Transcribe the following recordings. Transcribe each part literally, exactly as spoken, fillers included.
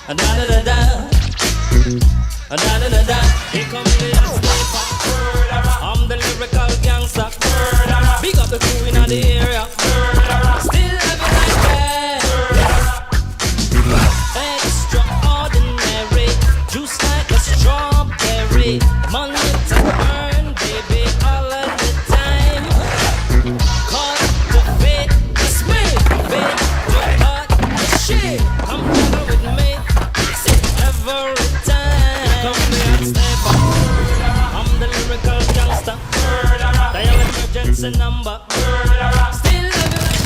Da da da da. Da da da da. Here come the hot sniper. I'm the lyrical gangster. Big up the crew in the area. Still living like that. Extraordinary. Juice like a strawberry. Money to earn, baby, all of the time. Cultivate the spirit, baby. Cut the shit. Come together with me. Every time. Come the hot sniper. I'm the lyrical gangster. Dial emergency number. Still living like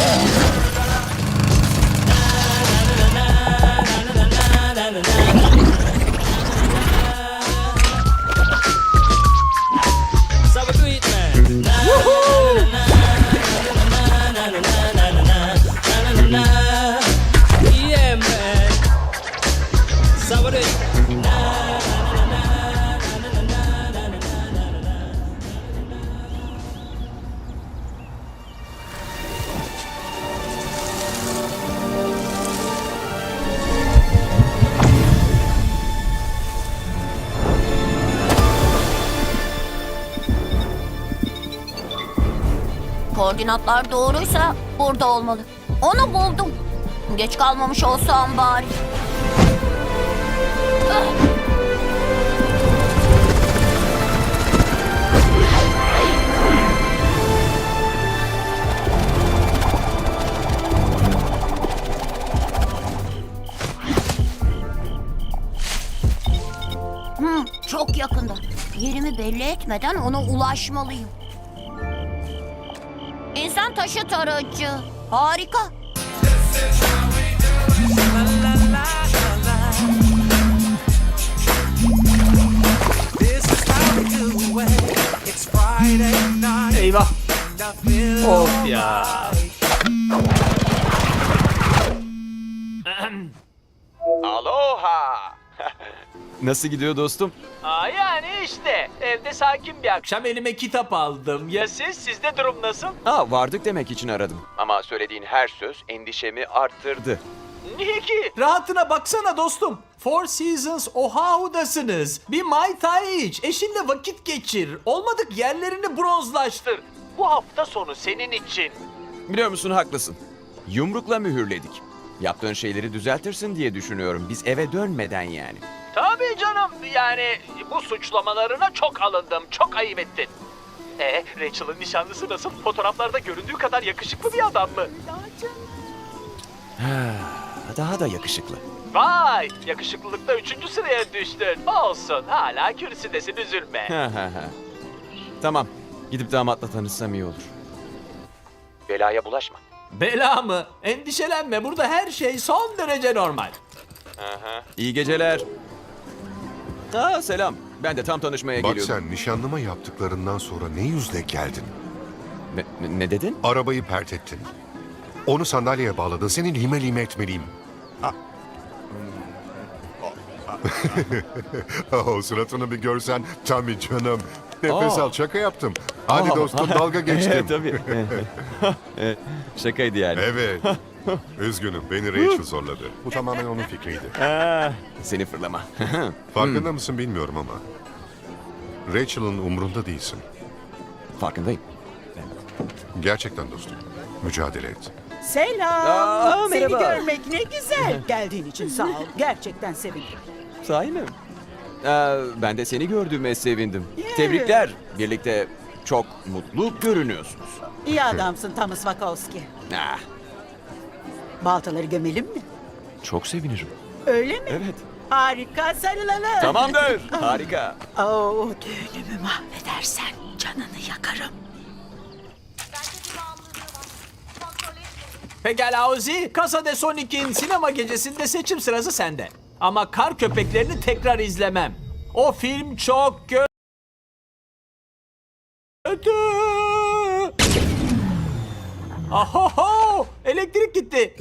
so we do it, man. Yeah, man. So we do it. Koordinatlar doğruysa burada olmalı. Onu buldum. Geç kalmamış olsam bari. Ah! Hmm, çok yakında. Yerimi belli etmeden ona ulaşmalıyım. İnsan taşı tarayıcı. Harika. Eyvah. Of ya. Aloha. Nasıl gidiyor dostum? Aa, yani işte evde sakin bir akşam elime kitap aldım. Ya siz? Sizde durum nasıl? Ha, vardık demek için aradım. Ama söylediğin her söz endişemi arttırdı. Niye ki? Rahatına baksana dostum. Four Seasons Oahu'dasınız. Bir Mai Tai iç. Eşinle vakit geçir. Olmadık yerlerini bronzlaştır. Bu hafta sonu senin için. Biliyor musun, haklısın. Yumrukla mühürledik. Yaptığın şeyleri düzeltirsin diye düşünüyorum. Biz eve dönmeden yani. Tabii canım. Yani bu suçlamalarına çok alındım. Çok ayıp ettin. E, Rachel'ın nişanlısı nasıl? Fotoğraflarda göründüğü kadar yakışıklı bir adam mı? Daha da yakışıklı. Vay! Yakışıklılıkta üçüncü sıraya düştün. Olsun. Hala kürsüdesin, üzülme. Tamam. Gidip damatla tanışsam iyi olur. Belaya bulaşma. Bela mı? Endişelenme. Burada her şey son derece normal. İyi geceler. Aa, selam. Ben de tam tanışmaya Bak geliyordum. sen nişanlıma yaptıklarından sonra ne yüzle geldin? Ne, ne- ne dedin? Arabayı pert ettin. Onu sandalyeye bağladın. Senin lime lime etmeliyim. O suratını bir görsen. Tabii canım. Nefes Aa. al, şaka yaptım. Hadi Aa. dostum, dalga geçtim. Tabii. Evet, şakaydı yani. Evet. Üzgünüm, beni Rachel zorladı. Bu tamamen onun fikriydi. Aa, seni fırlama. Farkında mısın bilmiyorum ama. Rachel'ın umrunda değilsin. Farkındayım. Gerçekten dostum. Mücadele et. Selam. Aa, Seni merhaba. görmek ne güzel. Geldiğin için sağ ol. Gerçekten sevindim. Sahi mi? Aa, ben de seni gördüğüme sevindim. Yeah. Tebrikler. Birlikte çok mutlu görünüyorsunuz. İyi adamsın Thomas Wachowski. Ah, Baltaları gömelim mi? çok sevinirim. Öyle mi? Evet. Harika, sarılalım. Tamamdır. Harika. Oo, düğünümü mahvedersen canını yakarım. Pekala Ozi, Casa de Sonic'in sinema gecesinde seçim sırası sende. Ama Kar Köpeklerini tekrar izlemem. O film çok kö- kötü. Ahoho! Elektrik gitti.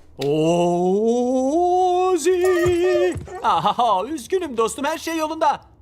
Ozi! Ahaha, üzgünüm dostum, her şey yolunda.